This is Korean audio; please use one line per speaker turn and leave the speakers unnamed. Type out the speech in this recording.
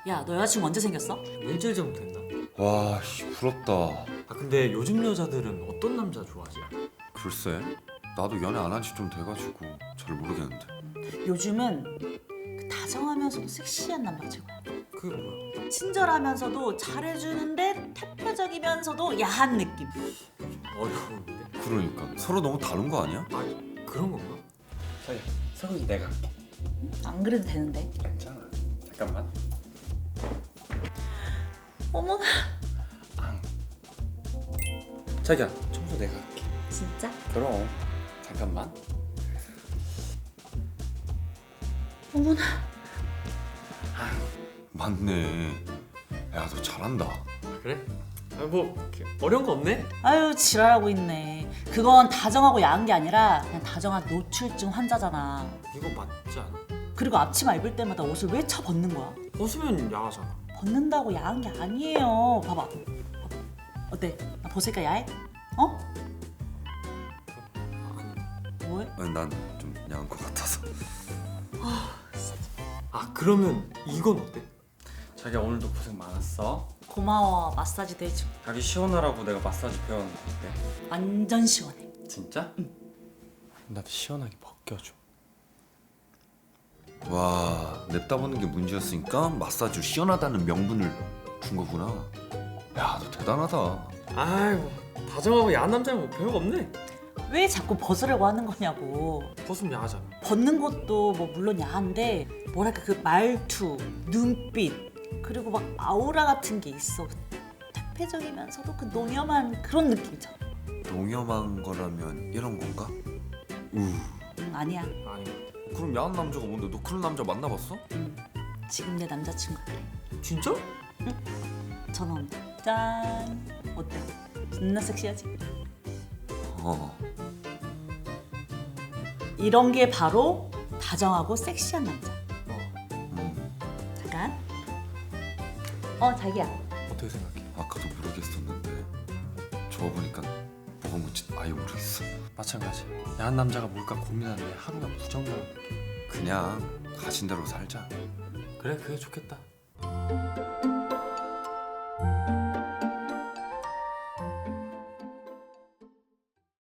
야, 너 여자친구 언제 생겼어?
일주일 전 됐나?
와, 씨, 부럽다.
아 근데 요즘 여자들은 어떤 남자 좋아하지?
글쎄, 나도 연애 안 한 지 좀 돼가지고 잘 모르겠는데.
요즘은 그 다정하면서도 섹시한 남자가 최고야.
그게 뭐야?
친절하면서도 잘해주는데 태폐적이면서도 야한 느낌.
어려운데?
그러니까 서로 너무 다른 거 아니야?
아 그런 건가?
자기야, 설거지 내가 할게.
안 그래도 되는데.
괜찮아. 잠깐만.
어머나,
자기야, 청소 내가 할게.
진짜?
그럼. 잠깐만.
어머나.
맞네. 야, 너 잘한다.
아 그래? 아뭐 어려운 거 없네?
아유, 지랄하고 있네. 그건 다정하고 야한 게 아니라 그냥 다정한 노출증 환자잖아.
이거 맞지 않아?
그리고 앞치마 입을 때마다 옷을 왜 쳐 벗는 거야?
벗으면 야하잖아.
벗는다고 야한 게 아니에요. 봐봐. 어때? 나 벗으니까 야해? 어?
아니.
뭐해?
아니, 난 좀 야한 것 같아서.
아 그러면 이건 어때?
자기야, 오늘도 고생 많았어.
고마워. 마사지도 해줘.
자기 시원하라고 내가 마사지 배웠는데 어때?
완전 시원해.
진짜? 응. 나도 시원하게 벗겨줘.
와, 냅다 보는 게 문제였으니까 마사지로 시원하다는 명분을 준 거구나. 야, 너 대단하다.
아이 뭐 다정하고 야한 남자는 뭐 별거 없네.
왜 자꾸 벗으려고 하는 거냐고.
벗으면 야하잖아.
벗는 것도 뭐 물론 야한데 뭐랄까 그 말투, 눈빛 그리고 막 아우라 같은 게 있어. 태폐적이면서도 그 노념한 그런 느낌 있잖아.
농염한 거라면 이런 건가?
아니야.
아니
그럼 야한 남자가 뭔데? 너 그런 남자 만나봤어?
지금 내 남자친구 그래.
진짜?
전화 온다. 짠. 어때? 존나 섹시하지?
어.
이런 게 바로 다정하고 섹시한 남자. 잠깐. 자기야.
어떻게 생각해?
아까도 모르겠었는데 저거 보니까 뭐가 뭔지 아예 모르겠어.
마찬가지. 야한 남자가 뭘까 고민하는데 하루가 무정령.
그냥 가진 대로 살자.
그래 그게 좋겠다.